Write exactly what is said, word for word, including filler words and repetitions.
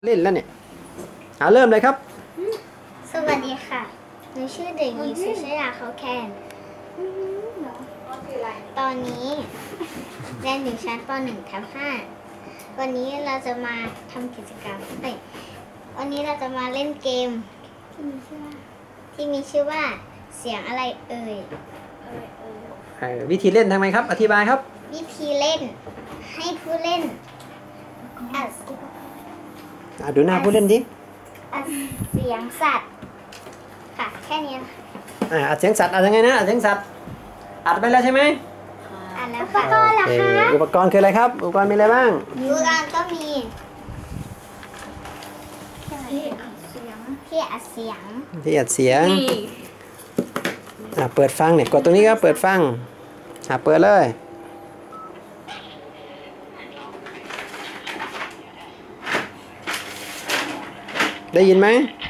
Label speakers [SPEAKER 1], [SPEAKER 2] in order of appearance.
[SPEAKER 1] ล่นแล้วเนี่ยเอาเริ่มเลยครับ
[SPEAKER 2] สวัสดีค่ะหนูชื่อเด็กหญิงสุชยาเขาแคนตอนนี้เรียนอยู่ชั้นป หนึ่ง ทับ ห้า วันนี้เราจะมาทำกิจกรรมเอ้ยวันนี้เราจะมาเล่นเกมที่มีชื่อว่าที่มีชื่อว่าเสียงอะไรเอ่ย
[SPEAKER 1] เอ่อวิธีเล่นทำไมครับอธิบายครับ
[SPEAKER 2] วิธีเล่นให้ผู้เล่นอัด
[SPEAKER 1] อ่ะดูหน้าผู้เล่นดิ
[SPEAKER 2] อัดเสียงสัตว์ค่ะแค่นี้ค่ะ
[SPEAKER 1] อ่าอัดเสียงสัตว์อัดยังไงนะอัดเสียงสัตว์อัดไปแล้วใช่ไหม
[SPEAKER 2] อัดแล้วค่ะอุปกรณ์ล่ะคะ
[SPEAKER 1] อุปกรณ์คืออะไรครับอุปกรณ์มีอะไรบ้าง
[SPEAKER 2] อุปกรณ์ก็มีที่อัดเสียงที่อัดเสียง
[SPEAKER 1] ที่อัดเสียงอ่าเปิดฟังเนี่ยกดตรงนี้ครับเปิดฟังอ่าเปิดเลยได้ยินไหม